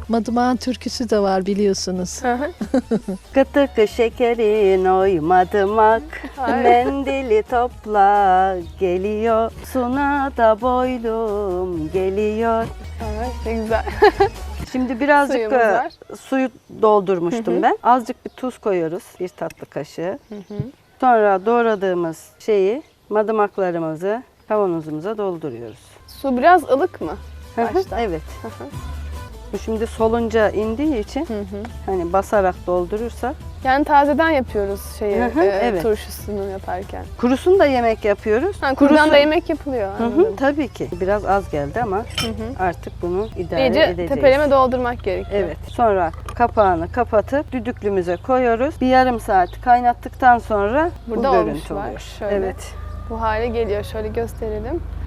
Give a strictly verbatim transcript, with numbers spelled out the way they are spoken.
Madımağın türküsü de var biliyorsunuz. Kıtı kı şekerin oy madımak, mendili topla geliyor, suna da boylum geliyor. Evet, ne güzel. Şimdi birazcık Suyumuz e, var. suyu doldurmuştum ben. Azıcık bir tuz koyuyoruz, bir tatlı kaşığı. Sonra doğradığımız şeyi, madımaklarımızı kavanozumuza dolduruyoruz. Su biraz ılık mı? Hı hı, Başta. evet. Bu şimdi solunca indiği için hani basarak doldurursak. Yani tazeden yapıyoruz şeyi, Hı hı, e, evet. turşusunu yaparken. Kurusunu da yemek yapıyoruz. Ha, kurudan Kurusu- da yemek yapılıyor. Hı hı, anladım. tabii ki. Biraz az geldi ama artık bunu idare İyice edeceğiz. tepeleme doldurmak gerekiyor. Evet. Sonra kapağını kapatıp düdüklümüze koyuyoruz. Bir yarım saat kaynattıktan sonra Burada bu olmuş görüntü var. oluyor. Şöyle. Evet. Bu hale geliyor. Şöyle gösterelim.